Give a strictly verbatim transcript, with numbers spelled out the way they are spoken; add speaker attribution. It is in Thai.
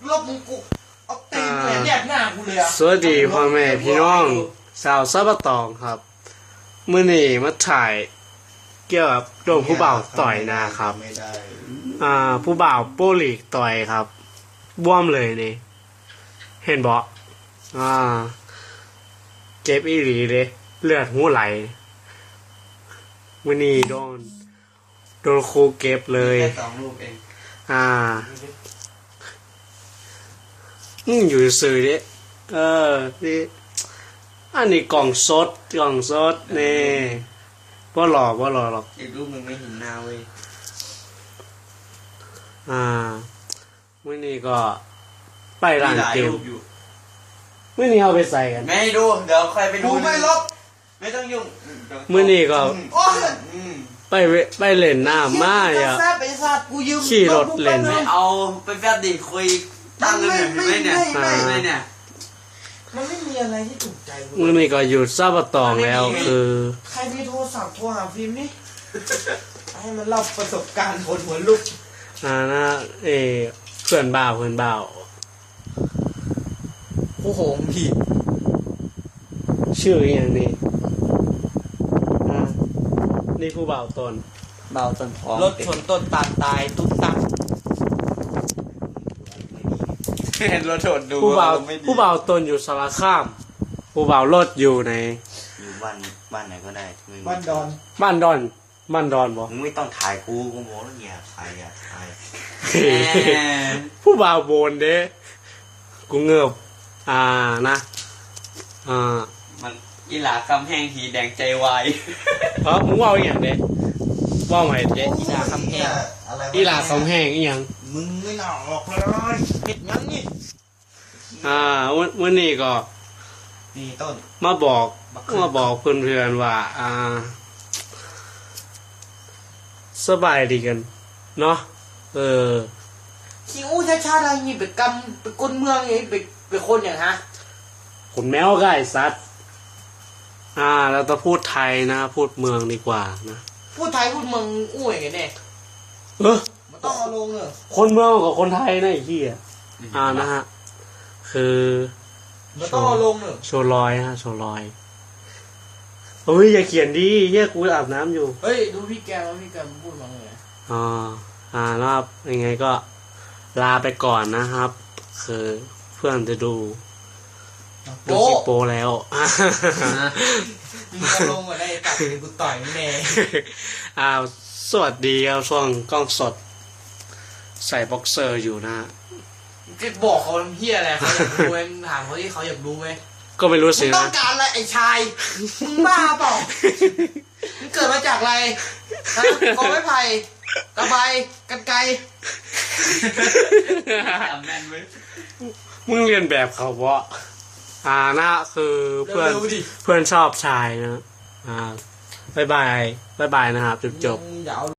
Speaker 1: ลบมึงกูเอาตีนเลยแยกหน้ากูเลยอ่ะ
Speaker 2: สวัสดีพ่อแม่พี่น้องสาวซับตองครับมื้อนี้มาถ่ายเกี่ยวกับโดนผู้บ่าวต่อยนะครับอ่าผู้บ่าวโป้ลีกต่อยครับบ้วมเลยนี่เห็นบ่อ่าเจ็บอีหลีเลยเลือดหูไหลมื้อนี้โดนโดนครูเก็บเลย
Speaker 1: แค่สองลูกเอง
Speaker 2: อ่าอืมอยู่ซื่อดิเออนี่อันนี้กล่องสดกล่องสดนี่บ่หลอกบ่หลอกหรอก
Speaker 1: อีกลูกมึงไม่เห็นหน้าเว้ย
Speaker 2: อ่ามื้อนี้ก็ไปร้านเกมมื้อนี้เอาไปใส่กัน
Speaker 1: ไม่ดูเดี๋ยวใครไปดูไม่ลบไม่ต้องยุ่ง
Speaker 2: มื้อนี้ก็ไปไปเล่นน้ำมาอ่ะขี่รถเล่น
Speaker 1: ไม่เอาไปแฟบดิคุยตั้งกันแบบนี้เนี่ยไม่เนี่ยมันไม่มีอะไรที่ถูกใจ
Speaker 2: มื้อนี้ก็อยู่ซาบะตองแล้วคือ
Speaker 1: ใครมีโทรศัพท์โทรหาฟิล์มนี่ให้มันเล่าประสบการณ์คนหัวลุก
Speaker 2: อ่านะเอเพื่อนบ่าวเพื่อนบ่าว
Speaker 1: โอ้โหพี่
Speaker 2: ชื่ออย่างนี้อ่านี่ผู้บ่าวตน
Speaker 1: บ่าวตนพร้อมรถชนต้นตาลตายตุ๊บตับเห็นรถชนดู
Speaker 2: ผู้บ่าวผู้บ่าวตนอยู่สารคามผู้บ่าวรถอยู่ใน
Speaker 1: อยู่บ้านบ้านไหนก็ได้บ้านดอน
Speaker 2: บ้านดอนบ้านดอนบ่
Speaker 1: มึงไม่ต้องถ่ายกูกูโม้แล้วเนี่ยถ่ายอ่ะถ่าย
Speaker 2: ผู้บ่าวโบนเด้กูเงือบอ่านะอ่า
Speaker 1: มันอีหลากำแพงทีแดงใจวาย
Speaker 2: เออมึงว่าอย่างเด้ว่าใหม่เด้
Speaker 1: อีหลาคำแพง
Speaker 2: อีหลาคำแพงอีหยัง
Speaker 1: มึงไม่น่าออกเลยเห็ดยังนี่
Speaker 2: อ่าวันวันนี้ก็
Speaker 1: นี่ต้น
Speaker 2: มาบอกมาบอกเพื่อนๆว่าอ่าสบายดีกันเนาะเออ
Speaker 1: คิวชาชาอะไรนี่ไปกำไปคนเมืองนี่ไปไปคนอย่างฮะ
Speaker 2: คนแมวก็ไอ้สัตว์อ่าเราต้องพูดไทยนะพูดเมืองดีกว่านะ
Speaker 1: พูดไทยพูดเมืองอุ้ยไงเนี่ย
Speaker 2: เออ
Speaker 1: มันต้องเอาลงเลย
Speaker 2: คนเมืองกับคนไทยนะไอ้ที่อ่านะฮะคือ
Speaker 1: มันต้องเอาลงเลย
Speaker 2: โชว์ลอยฮะโชว์ลอยเฮ้ยอย่าเขียนดิเฮียกูอาบน้ำอยู่
Speaker 1: เฮ้ยดูพี่แกแล้วพี่แกพูดมาไง
Speaker 2: อ๋ออ่าแล้วยังไงก็ลาไปก่อนนะครับคือเพื่อนจะดูดูคลิปโปแล้ว
Speaker 1: มึงจะลงมาได้ตัดกูต่อยแน่
Speaker 2: อ้าวสวัสดีครับช่วงกล้องสดใส่บ็อกเซอร์อยู่นะ
Speaker 1: จะบอกเขาเฮียอะไรเขาอยากรู้ไหมถามเขาที่เขาอยากรู้ไหม
Speaker 2: ก็ไม่รู้สินะ
Speaker 1: ต้องการอะไรไอ้ชายมึงบ้าเปล่ามึงเกิดมาจากอะไรกอไม้ไผ่กระบายกันไกร
Speaker 2: มึงเรียนแบบเขาเพราะอ่านะคือเพื่อนเพื่อนชอบชายนะอ่าบายบายบายบายนะครับจบจบ